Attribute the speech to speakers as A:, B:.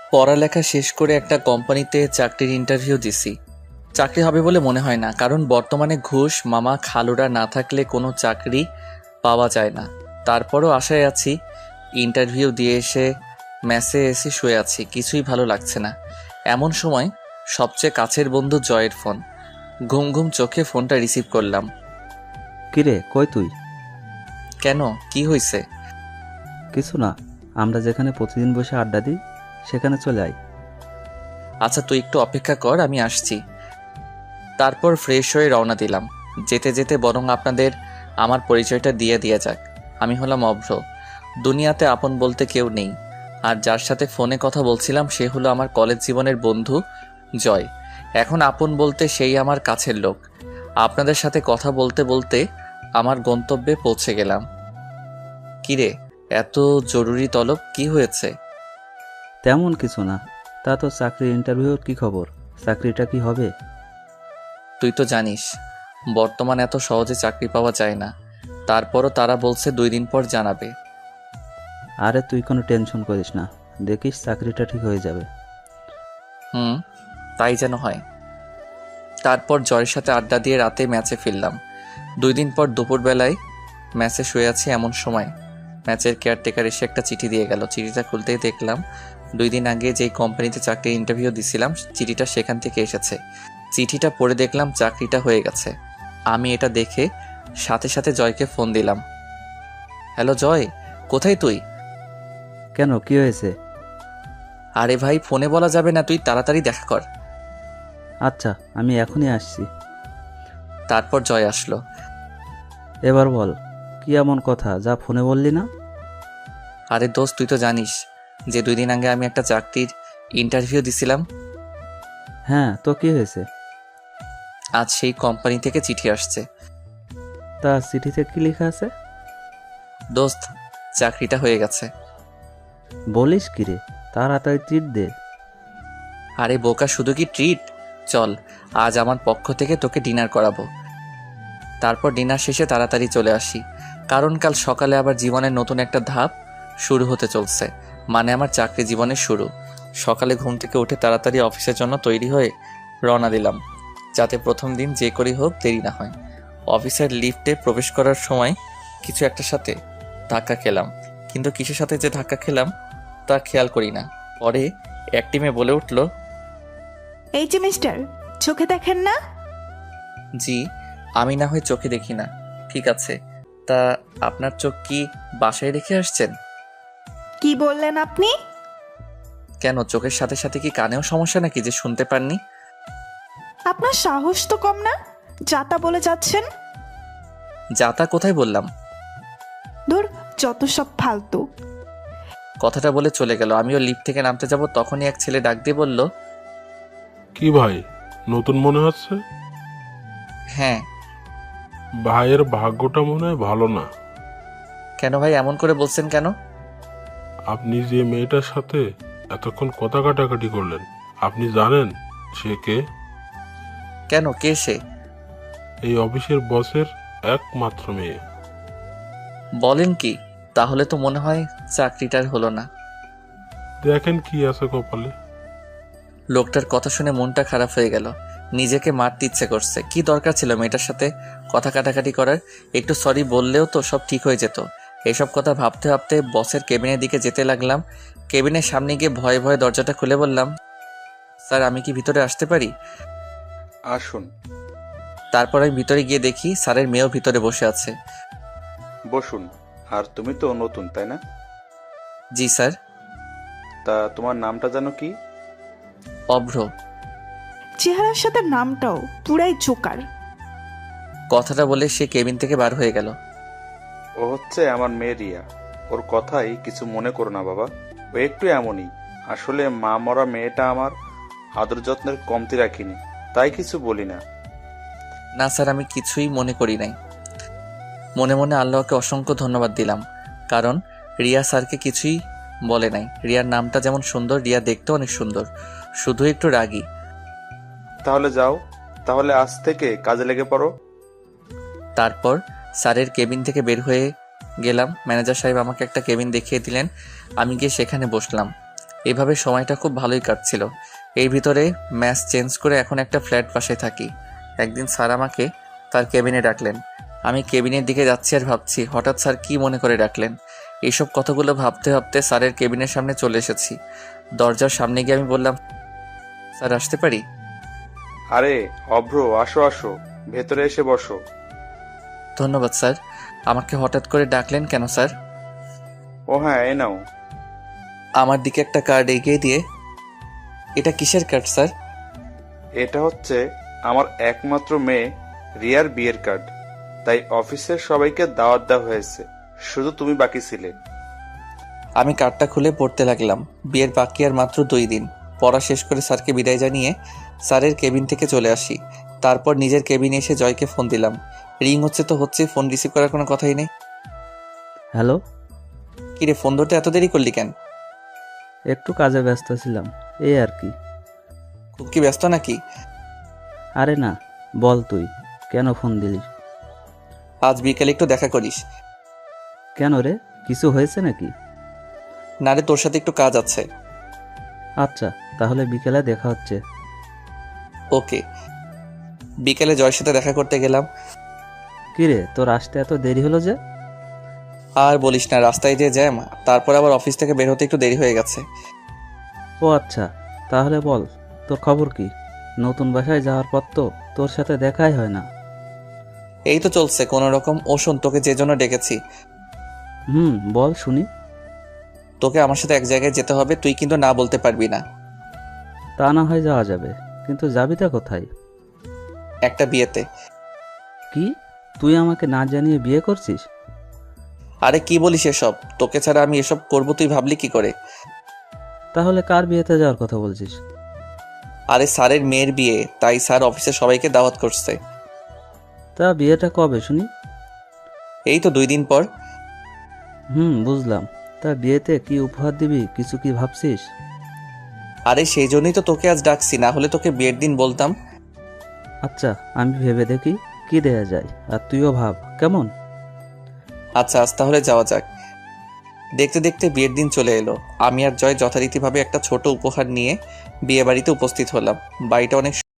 A: পড়ালেখা শেষ করে একটা কোম্পানিতে চাকরির ইন্টারভিউ দিছি। চাকরি হবে বলে মনে হয় না, কারণ বর্তমানে ঘুষ মামা খালুরা না থাকলে কোনো চাকরি পাওয়া যায় না। তারপরও আশায় আছি। ইন্টারভিউ দিয়ে এসে মেসে এসে শুয়ে আছি, কিছুই ভালো লাগছে না। এমন সময় সবচেয়ে কাছের বন্ধু জয়ের ফোন। ঘুম ঘুম চোখে ফোনটা রিসিভ করলাম।
B: কিরে, কই তুই?
A: কেন, কি হয়েছে?
B: কিছু না, আমরা যেখানে প্রতিদিন বসে আড্ডা দিই সেখানে চলে আয়।
A: আচ্ছা, তুই একটু অপেক্ষা কর, আমি আসছি। তারপর ফ্রেশ হয়ে রওনা দিলাম। যেতে যেতে বরং আপনাদের আমার পরিচয়টা দিয়ে যাক। আমি হলাম অভ্র। দুনিয়াতে আপন বলতে কেউ নেই। আর যার সাথে ফোনে কথা বলছিলাম সে হলো আমার কলেজ জীবনের বন্ধু জয়। এখন আপন বলতে সেই আমার কাছের লোক। আপনাদের সাথে কথা বলতে বলতে আমার গন্তব্যে পৌঁছে গেলাম। কিরে, এত জরুরি তলব, কি হয়েছে?
B: তেমন কিছু না। তা তো চাকরির ইন্টারভিউর কি খবর? চাকরিটা কি হবে?
A: তুই তো জানিস বর্তমানে এত সহজে চাকরি পাওয়া যায় না। তারপরও তারা বলছে 2 দিন পর জানাবে।
B: আরে তুই কোনো টেনশন করিস না, দেখিস চাকরিটা ঠিক হয়ে যাবে।
A: হুম, তাই যেন হয়। তারপর জয়ের সাথে আড্ডা দিয়ে রাতে ম্যাচে ফিরলাম। 2 দিন পর দুপুরবেলায় ম্যাচে শুয়ে আছি, এমন সময় ম্যাচের কেয়ারটেকার এসে একটা চিঠি দিয়ে গেল। চিঠিটা খুলতেই দেখলাম 2 দিন আগে যেই কোম্পানিতে চাকরির ইন্টারভিউ দিছিলাম চিঠিটা সেখান থেকে এসেছে। চিঠিটা পড়ে দেখলাম চাকরিটা হয়ে গেছে। আমি এটা দেখে সাথে সাথে জয়কে ফোন দিলাম। হ্যালো জয়, কোথায় তুই?
B: কেন, কি হয়েছে?
A: আরে ভাই, ফোনে বলা যাবে না, তুই তাড়াতাড়ি দেখা কর।
B: আচ্ছা, আমি এখনই আসছি।
A: তারপর জয় আসলো।
B: এবার বল, কি এমন কথা যা ফোনে বললি না?
A: আরে দোস্ত, তুই তো জানিস যে 2 দিন আগে আমি একটা চাকরির ইন্টারভিউ দিছিলাম।
B: হ্যাঁ, তো কি হয়েছে?
A: আজ সেই কোম্পানি থেকে চিঠি আসছে।
B: তা চিঠিতে কি লেখা আছে?
A: দোস্ত, চাকরিটা হয়ে গেছে।
B: বলিস কি রে, তাড়াতাড়ি ট্রিট দে।
A: আরে বোকা, শুধু কি ট্রিট? চল, আজ আমার পক্ষ থেকে তোকে ডিনার করাবো। তারপর ডিনার শেষে তাড়াতাড়ি চলে আসি, কারণ কাল সকালে আবার জীবনের নতুন একটা ধাপ শুরু হতে চলছে। মানে আমার চাকরি জীবনের শুরু। সকালে ঘুম থেকে উঠে তাড়াতাড়ি অফিসের জন্য তৈরি হয়ে রওনা দিলাম, যাতে প্রথম দিন যে করেই হোক দেরি না হয়। অফিসের লিফটে প্রবেশ করার সময় কিছু একটার সাথে ধাক্কা খেলাম, কিন্তু কিসের সাথে যে ধাক্কা খেলাম তা খেয়াল করি না। পরে এক টিমে বলে উঠল,
C: এই যে মিস্টার, চোখে দেখেন না?
A: জি, আমি না হয় চোখে দেখি না, ঠিক আছে। তা আপনার চোখ কি বাসায় রেখে আসছেন?
C: কি বললেন আপনি?
A: কেন, চোখের সাথে সাথে কি কানেও সমস্যা নাকি যে শুনতে পাননি?
C: আপনার সাহস তো কম না, যাতা বলে যাচ্ছেন।
A: যাতা কোথায় বললাম?
C: ধুর, যত সব ফালতু।
A: কথাটা বলে চলে গেল। আমিও লিফট থেকে নামতে যাব, তখনই এক ছেলে ডাক দিয়ে বলল,
D: কি ভাই, নতুন মনে হচ্ছে?
A: হ্যাঁ।
D: ভাইয়ের ভাগ্যটা মনে হয় ভালো না।
A: কেন ভাই, এমন করে বলছেন কেন?
D: আপনি যে মেয়েটার সাথে এতক্ষণ কথা কাটাকাটি করলেন, আপনি জানেন সে কে?
A: কেন, কে সে?
D: এই অফিসের বসের একমাত্র মেয়ে।
A: বলেন কি? তাহলে তো মনে হয় চাকরিটার হলো না।
D: দেখেন কি আছে কপালে।
A: লোকটার কথা শুনে মনটা খারাপ হয়ে গেল। নিজেকে মারতে ইচ্ছে করছে। কি দরকার ছিল মেয়েটার সাথে কথা কাটাকাটি করার? একটু সরি বললেও তো সব ঠিক হয়ে যেত। এসব কথা ভাবতে ভাবতে বসের কেবিনের দিকে যেতে লাগলাম। কেবিনের সামনে গিয়ে ভয়ে ভয়ে দরজাটা খুলে বললাম, স্যার, আমি কি ভিতরে আসতে পারি?
E: আসুন।
A: তারপর আমি ভিতরে গিয়ে দেখি স্যারের মেয়েও ভিতরে বসে আছে।
E: বসুন। আর তুমি তো নতুন, তাই না?
A: জি স্যার।
E: তা তোমার নামটা জানো কি?
A: অভ্র।
C: চেহারার সাথে নামটাও পুরাই জোকার।
A: কথাটা বলে সে কেবিন থেকে বার হয়ে গেল।
E: ও হচ্ছে আমার মেয়ে রিয়া। ওর কথাই কিছু মনে করো না বাবা, ও একটু এমনই। আসলে মা মরা মেয়েটা আমার আদর যত্নের কমতি রাখিনি, তাই কিছু বলি না।
A: না স্যার, আমি কিছুই মনে করি নাই। মনে মনে আল্লাহকে অসংখ্য ধন্যবাদ দিলাম, কারণ রিয়া স্যারকে কিছুই বলে নাই। রিয়ার নামটা যেমন সুন্দর, রিয়া দেখতেও অনেক সুন্দর, শুধু একটু রাগী।
E: তাহলে যাও, তাহলে আজ থেকে কাজে লেগে পড়ো।
A: তারপর স্যারের কেবিন থেকে বের হয়ে গেলাম। ম্যানেজার সাহেব আমাকে একটা কেবিন দেখিয়ে দিলেন। আমি গিয়ে সেখানে বসলাম। এইভাবে সময়টা খুব ভালোই কাটছিল। এই ভিতরে ম্যাচ চেঞ্জ করে এখন একটা ফ্ল্যাট বাসায় থাকি। একদিন স্যার আমাকে তার কেবিনে ডাকলেন। আমি কেবিনের দিকে যাচ্ছি আর ভাবছি হঠাৎ স্যার কি মনে করে ডাকলেন। এইসব কথাগুলো ভাবতে ভাবতে স্যারের কেবিনের সামনে চলে এসেছি। দরজার সামনে গিয়ে আমি বললাম, স্যার আসতে পারি?
E: আরে অভ্র, আসো আসো, ভেতরে এসে বসো।
A: ধন্যবাদ স্যার। আমাকে হঠাৎ করে ডাকলেন কেন স্যার?
E: ও হ্যাঁ, এ নাও।
A: আমার দিকে একটা কার্ড এগিয়ে দিয়ে, এটা কিসের কার্ড স্যার?
E: এটা হচ্ছে আমার একমাত্র মেয়ে রিয়ার বিয়ের কার্ড। তাই অফিসের সবাইকে দাওয়াত দেওয়া হয়েছে, শুধু তুমি বাকি ছিলে।
A: আমি কার্ডটা খুলে পড়তে লাগলাম। বিয়ের বাকি আর মাত্র 2 দিন। পড়া শেষ করে স্যারকে বিদায় জানিয়ে স্যারের কেবিন থেকে চলে আসি। তারপর নিজের কেবিনে এসে জয়কে ফোন দিলাম। রিং হচ্ছে তো হচ্ছে, ফোন রিসিভ করার কোনো কথাই নেই।
B: হ্যালো,
A: কিরে, ফোন ধরতে এত দেরি করলি কেন?
B: একটু কাজে ব্যস্ত ছিলাম, এই আর কি।
A: খুব কি ব্যস্ত নাকি?
B: আরে না, বল তুই কেন ফোন দিলি?
A: আজ বিকেলে একটু দেখা করিস।
B: কেন রে, কিছু হয়েছে নাকি?
A: না রে, তোর সাথে একটু কাজ আছে।
B: আচ্ছা, তাহলে বিকেলে দেখা হচ্ছে।
A: ওকে। বিকেলে জয়ের সাথে দেখা করতে গেলাম।
B: কিরে, তোর আসতে এত দেরি হলো যে?
A: আর বলিস না, রাস্তায় যে জ্যাম, তারপর আবার অফিস থেকে বের হতে একটু দেরি হয়ে গেছে।
B: ও আচ্ছা, তাহলে বল তোর খবর কি? নতুন বাসায় যাওয়ার পর তো তোর সাথে দেখাই হয় না।
A: এই তো চলছে কোনো রকম। ও শোন, তোকে যে জন্য ডেকেছি,
B: বল শুনি।
A: তোকে আমার সাথে এক জায়গায় যেতে হবে, তুই কিন্তু না বলতে পারবি না।
B: তা না হয় যাওয়া যাবে, কিন্তু যাবিটা কোথায়?
A: একটা বিয়েতে।
B: কি, তুই আমাকে না জানিয়ে বিয়ে করছিস?
A: আরে কি বলিস এসব? তোকে ছাড়া আমি এসব করবো তুই ভাবলি কি করে?
B: তাহলে কার বিয়েতে যাওয়ার কথা বলছিস?
A: আরে স্যারের মেয়ের বিয়ে, তাই স্যার অফিসে সবাইকে দাওয়াত করছে।
B: তা বিয়েটা কবে শুনি?
A: এই তো 2 দিন পর।
B: বুঝলাম। তা বিয়েতে কি উপহার দিবি, কিছু কি ভাবছিস?
A: আরে সেই জন্যই তো তোকে আজ ডাকছি, না হলে তোকে বিয়ের দিন বলতাম।
B: আচ্ছা, আমি ভেবে দেখি কি দেয়া যায়, আর তুইও ভাব কেমন।
A: আচ্ছা, আজ তাহলে যাওয়া যাক। দেখতে দেখতে বিয়ের দিন চলে এলো। আমি আর জয় যথারীতিভাবে একটা ছোট উপহার নিয়ে বিয়ে বাড়িতে উপস্থিত হলাম। বাড়িটা অনেক